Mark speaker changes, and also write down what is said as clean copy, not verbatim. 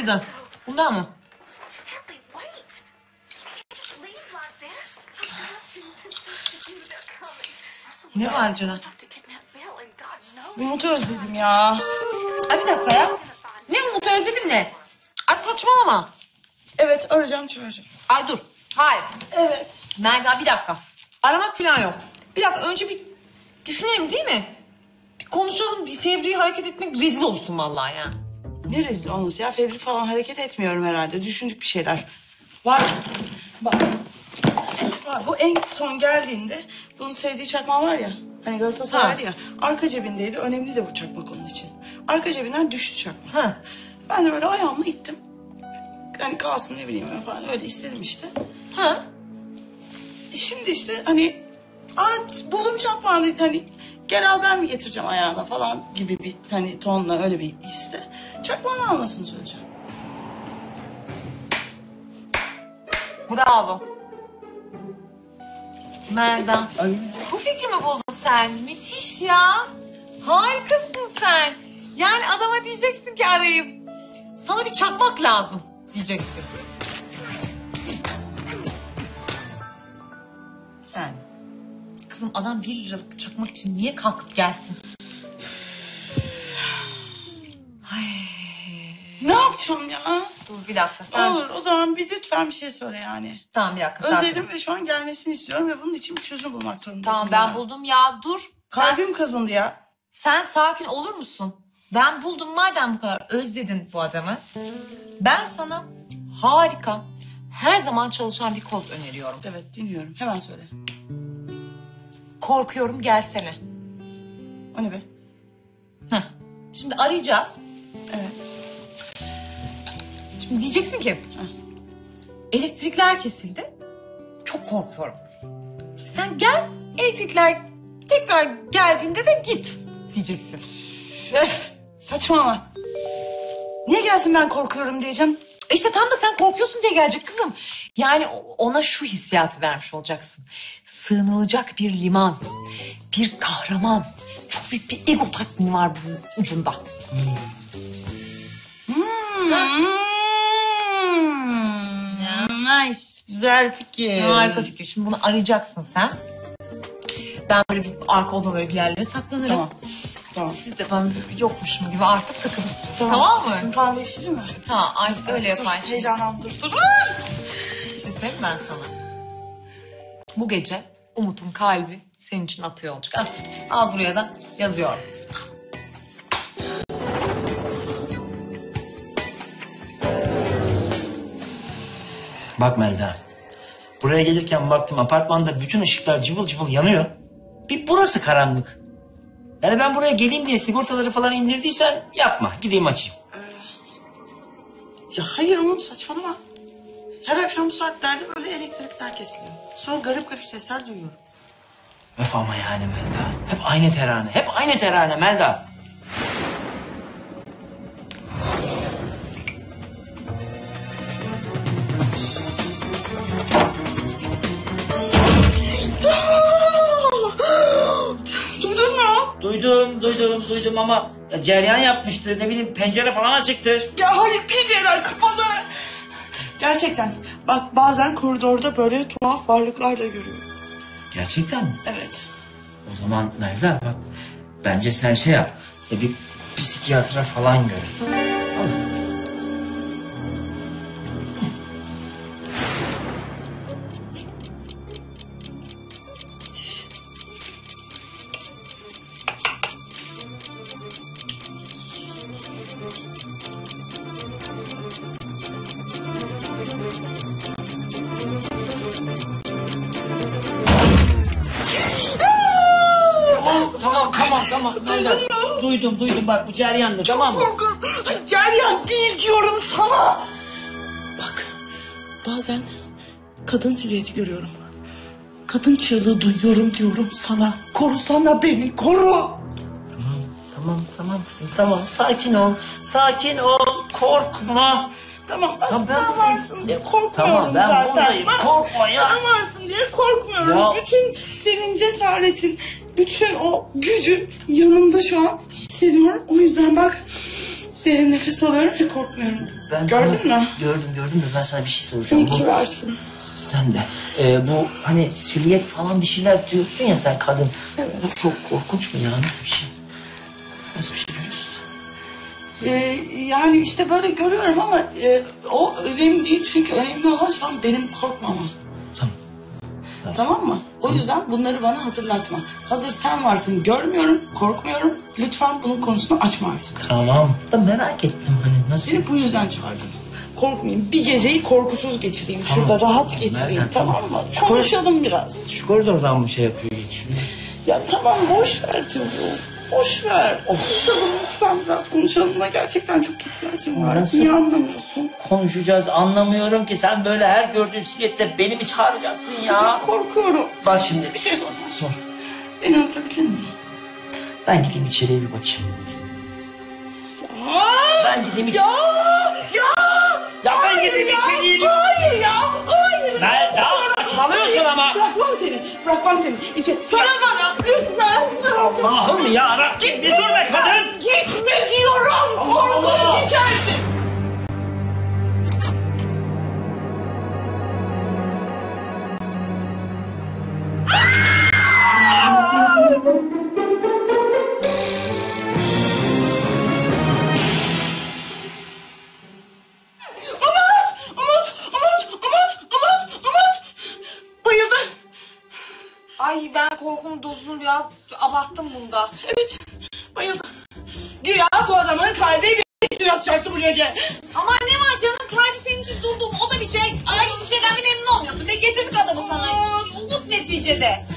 Speaker 1: istedin? Bundan mı? Ne var Ceren?
Speaker 2: Umut'u özledim ya.
Speaker 1: Ay bir dakika ya. Ne Umut'u özledim ne? Ay saçmalama.
Speaker 2: Evet, arayacağım, çağıracağım.
Speaker 1: Ay dur. Hayır.
Speaker 2: Evet.
Speaker 1: Melda bir dakika. Aramak falan yok. Bir dakika önce bir düşünelim değil mi? Bir konuşalım. Bir fevri hareket etmek rezil olursun vallahi ya.
Speaker 2: Ne rezil olması ya? Fevri falan hareket etmiyorum herhalde. Düşündük bir şeyler. Var. Bak. Var. Bu en son geldiğinde bunun sevdiği çakma var ya. Hani Galatasaray'dı ya. Arka cebindeydi. Önemli de bu çakmak onun için. Arka cebinden düştü çakmak.
Speaker 1: Ha.
Speaker 2: Ben de böyle ayağımla ittim. Hani kalsın ne bileyim falan öyle istedim işte.
Speaker 1: Ha.
Speaker 2: Şimdi işte hani buldum çakmağı hani gel al ben mi getireceğim ayağına falan gibi bir hani tonla öyle bir iste. Çakmağını almasını söyleyeceğim.
Speaker 1: Bravo. Melda.
Speaker 2: Ay.
Speaker 1: Bu fikri mi buldun sen? Müthiş ya. Harikasın sen. Yani adama diyeceksin ki arayıp sana bir çakmak lazım diyeceksin.
Speaker 2: Yani.
Speaker 1: Kızım adam 1 liralık çakmak için niye kalkıp gelsin?
Speaker 2: Ne yapacağım ya?
Speaker 1: Dur bir dakika sen.
Speaker 2: Olur o zaman lütfen bir şey söyle yani.
Speaker 1: Tamam bir dakika sakin.
Speaker 2: Özledim ve şu an gelmesini istiyorum ve bunun için bir çözüm bulmak zorundasın.
Speaker 1: Tamam ben buldum ya dur.
Speaker 2: Kalbim kazındı ya.
Speaker 1: Sen sakin olur musun? Ben buldum madem bu kadar özledin bu adamı. Ben sana harika, her zaman çalışan bir koz öneriyorum.
Speaker 2: Evet dinliyorum hemen söyle.
Speaker 1: Korkuyorum gelsene.
Speaker 2: O ne be?
Speaker 1: Heh. Şimdi arayacağız.
Speaker 2: Evet.
Speaker 1: Şimdi diyeceksin ki elektrikler kesildi. Çok korkuyorum. Sen gel elektrikler tekrar geldiğinde de git diyeceksin.
Speaker 2: Saçmalama. Niye gelsin ben korkuyorum diyeceğim.
Speaker 1: İşte tam da sen korkuyorsun diye gelecek kızım. Yani ona şu hissiyatı vermiş olacaksın. Sığınılacak bir liman, bir kahraman. Çok büyük bir ego tatmini var bunun ucunda.
Speaker 2: Nice. Güzel fikir.
Speaker 1: Harika fikir. Şimdi bunu arayacaksın sen. Ben böyle bir arka odalara bir yerlere saklanırım.
Speaker 2: Tamam. Tamam.
Speaker 1: Siz de ben yokmuşum gibi artık takılırsınız. Tamam mı?
Speaker 2: Şimdi falan değiştireyim mi?
Speaker 1: Tamam artık öyle yaparsın.
Speaker 2: Dur heyecanlandım dur.
Speaker 1: Bir şey söyleyeyim ben sana. Bu gece Umut'un kalbi senin için atıyor olacak. Al buraya da yazıyorum.
Speaker 3: Bak Melda. Buraya gelirken baktım apartmanda bütün ışıklar cıvıl cıvıl yanıyor. Bir burası karanlık. Yani ben buraya geleyim diye sigortaları falan indirdiysen yapma. Gideyim açayım.
Speaker 2: Ya hayır Umut saçmalama. Her akşam bu saatlerde böyle elektrikler kesiliyor. Sonra garip garip sesler duyuyorum.
Speaker 3: Öf ama yani Melda. Hep aynı terane. Hep aynı terane Melda.
Speaker 2: Duydun mu?
Speaker 3: Duydum ama ya cereyan yapmıştır. Ne bileyim pencere falan açıktır.
Speaker 2: Ya hayır pencereler kapalı. Gerçekten. Bak bazen koridorda böyle tuhaf varlıklar da görüyorum.
Speaker 3: Gerçekten mi?
Speaker 2: Evet.
Speaker 3: O zaman Melda bak bence sen şey yap. Bir psikiyatra falan gör. Tamam. Melda. Duydum bak bu cereyandı tamam mı?
Speaker 2: Korkuyorum. Ceryan değil diyorum sana. Bak bazen kadın silüeti görüyorum. Kadın çığlığı duyuyorum diyorum sana. Korusana beni koru.
Speaker 3: Tamam kızım tamam sakin ol korkma.
Speaker 2: Tamam bak
Speaker 3: Tamam,
Speaker 2: sen varsın diye korkmuyorum
Speaker 3: Tamam ben
Speaker 2: zaten.
Speaker 3: buradayım
Speaker 2: Bak,
Speaker 3: korkma ya.
Speaker 2: sen varsın diye korkmuyorum.
Speaker 3: Ya.
Speaker 2: Bütün senin cesaretin, bütün o gücün yanımda şu an hissediyorum. O yüzden bak Derin nefes alıyorum ve korkmuyorum. Gördün mü?
Speaker 3: Gördüm de ben sana bir şey soracağım.
Speaker 2: İyi ki varsın.
Speaker 3: Sen de. Bu hani silüet falan bir şeyler diyorsun ya sen kadın.
Speaker 2: Evet.
Speaker 3: Bu çok korkunç mu ya? Nasıl bir şey? Nasıl bir şey görüyorsun sen?
Speaker 2: Yani işte böyle görüyorum ama o önemli değil. Çünkü önemli olan şu an benim korkmamam.
Speaker 3: Tamam.
Speaker 2: Tamam mı? O yüzden bunları bana hatırlatma. Hazır sen varsın, görmüyorum, korkmuyorum. Lütfen bunun konusunu açma artık.
Speaker 3: Tamam. Da merak ettim hani nasıl?
Speaker 2: Seni bu yüzden çağırdım. Korkmayayım. Bir geceyi korkusuz geçireyim.
Speaker 3: Tamam.
Speaker 2: Şurada rahat geçireyim.
Speaker 3: Nereden?
Speaker 2: Tamam mı? Konuşalım biraz.
Speaker 3: Şu koridordan mı şey yapıyor geçiyor?
Speaker 2: Ya tamam boş ver çocuğum. Boş ver. Konuşalım lütfen biraz. Konuşalım da gerçekten çok ihtiyacım var.
Speaker 3: Nasıl?
Speaker 2: Niye anlamıyorsun?
Speaker 3: Konuşacağız anlamıyorum ki sen böyle her gördüğün silüette beni mi çağıracaksın ya?
Speaker 2: Korkuyorum.
Speaker 3: Bak şimdi
Speaker 2: Bir şey soracağım.
Speaker 3: sor.
Speaker 2: Beni unutabilir miyim?
Speaker 3: Ben gideyim içeriye bir bakayım. Ben gideyim içeri. Ya ben gideyim içeriye bir...
Speaker 2: Hayır ya. Hayır.
Speaker 3: Melda saçmalıyorsun ama.
Speaker 2: Bırakmam seni. Bırakmam seni. Sana bana. Lütfen. Sana.
Speaker 3: Allah'ım ya. Bir dur be kadın.
Speaker 2: Gitme diyorum.
Speaker 3: Allah
Speaker 2: Korkunç
Speaker 3: Allah.
Speaker 2: içersin. Umut. Bayıldı.
Speaker 1: Ay ben korkunun dozunu biraz abarttım bunda.
Speaker 2: Evet. Bayıldı. Güya bu adamın kalbi bir atacaktı bu gece.
Speaker 1: Ama ne var canım, kalbi senin için durdum, o da bir şey. Ay hiçbir şeyden de memnun olmuyorsun. Ve getirdik adamı sana. Umut neticede.